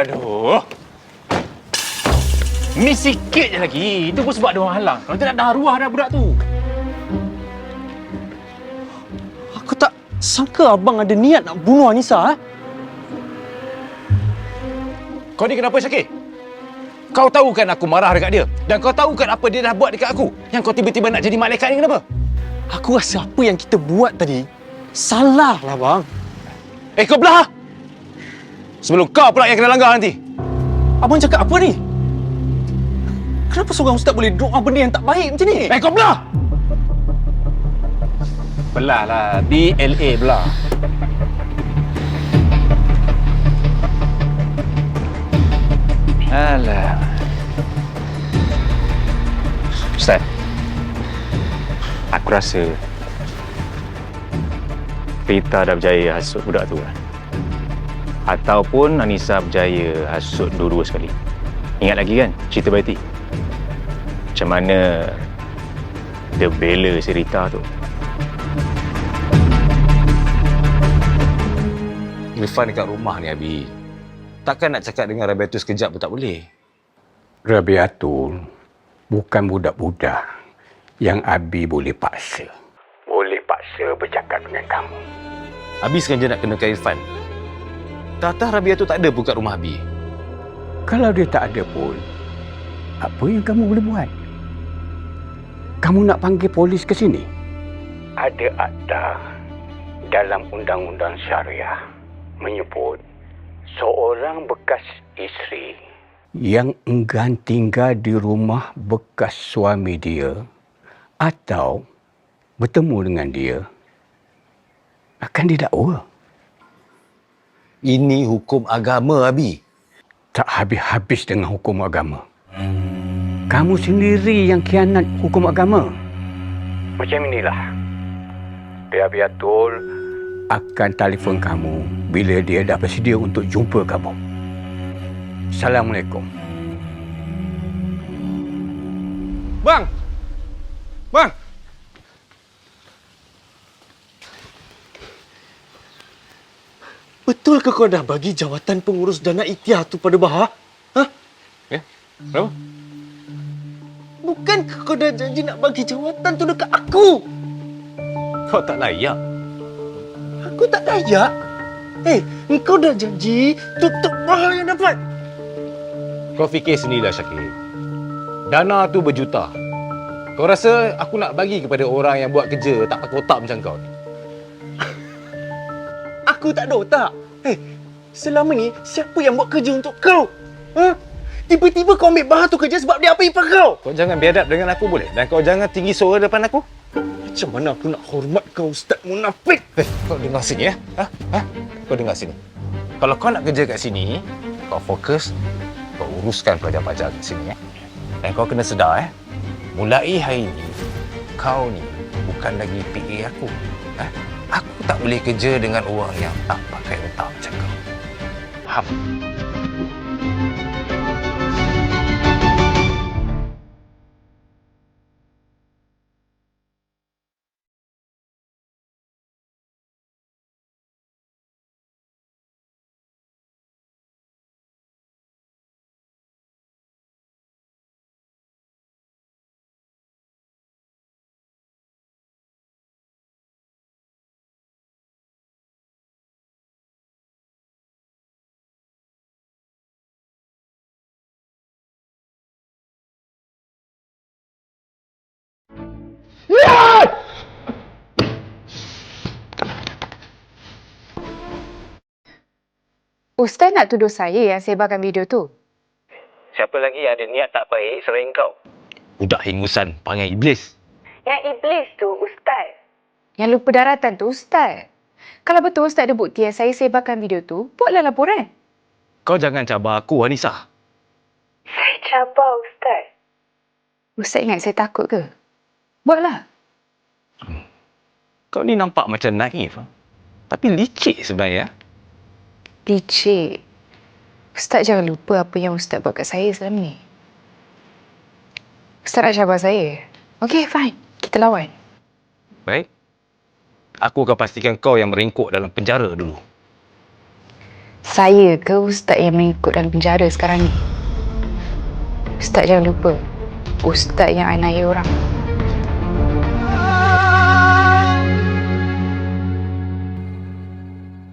Aduh. Miss sikit je lagi. Itu pun sebab ada orang halang. Kalau tak dah arwah dah budak tu. Aku tak sangka abang ada niat nak bunuh Anissa. Kau ni kenapa, Syakir? Kau tahu kan aku marah dekat dia? Dan kau tahu kan apa dia dah buat dekat aku? Yang kau tiba-tiba nak jadi malaikat ni kenapa? Aku rasa apa yang kita buat tadi salah lah, bang. Kau belah! Sebelum kau pula yang kena langgar nanti. Abang cakap apa ni? Kenapa seorang ustaz boleh doa benda yang tak baik macam ni? Kau belah! Belah lah. BLA belah. Alah. Ustaz, aku rasa Rita dah berjaya hasut budak tu kan? Ataupun Anissa berjaya hasut dua-dua sekali. Ingat lagi kan cerita Betty? Macam mana dia bela si Rita tu. Irfan dekat rumah ni, Abi. Takkan nak cakap dengan Rabiatul sekejap pun tak boleh. Rabiatul bukan budak-budak yang Abi boleh paksa. Boleh paksa bercakap dengan kamu. Abi sengaja nak kenakan Irfan. Tatah Rabiatul tak ada pun kat rumah Abi. Kalau dia tak ada pun, apa yang kamu boleh buat? Kamu nak panggil polis ke sini? Ada akta dalam undang-undang syariah menyebut seorang bekas isteri yang enggan tinggal di rumah bekas suami dia atau bertemu dengan dia akan didakwa. Ini hukum agama, Abi. Tak habis-habis dengan hukum agama. Kamu sendiri yang khianat hukum agama. Macam inilah. Rabiatul akan telefon kamu bila dia dah bersedia untuk jumpa kamu. Assalamualaikum. Bang! Bang! Betul ke kau dah bagi jawatan pengurus dana Ikhtiar tu pada Bahar? Ha? Ya? Kenapa? Bukan kau dah janji nak bagi jawatan tu dekat aku? Kau tak layak. Aku tak layak? Engkau dah janji tutup Bahar yang dapat. Kau fikir sendirilah, Syakir. Dana tu berjuta. Kau rasa aku nak bagi kepada orang yang buat kerja tak pakai otak macam kau? Aku tak ada otak. Selama ni siapa yang buat kerja untuk kau? Ha? Tiba-tiba kau ambil Bahar tu kerja sebab dia apa ipar kau? Kau jangan biadab dengan aku boleh? Dan kau jangan tinggi suara depan aku. Macam mana aku nak hormat kau, Ustaz Munafik? Kau dengar sini ya? Kau dengar sini. Kalau kau nak kerja kat sini, kau fokus, kau uruskan pelajar-pelajar kat sini ya. Dan kau kena sedar mulai hari ni, kau ni bukan lagi PA aku. Aku tak boleh kerja dengan orang yang tak pakai otak macam kau. Faham? Ustaz nak tuduh saya yang sebarkan video tu? Siapa lagi yang ada niat tak baik selain kau? Budak hingusan, panggil iblis. Yang iblis tu Ustaz. Yang lupa daratan tu Ustaz. Kalau betul Ustaz ada bukti yang saya sebarkan video tu, buatlah laporan. Kau jangan cabar aku, Anissa. Saya cabar Ustaz. Ustaz ingat saya takut ke? Buatlah. Kau ni nampak macam naif. Tapi licik sebenarnya. Licik. Ustaz jangan lupa apa yang Ustaz buat kat saya selama ni. Ustaz nak cabar saya. Okey, fine. Kita lawan. Baik. Aku akan pastikan kau yang merengkuk dalam penjara dulu. Saya ke Ustaz yang mengikut dalam penjara sekarang ni? Ustaz jangan lupa, Ustaz yang aniaya orang.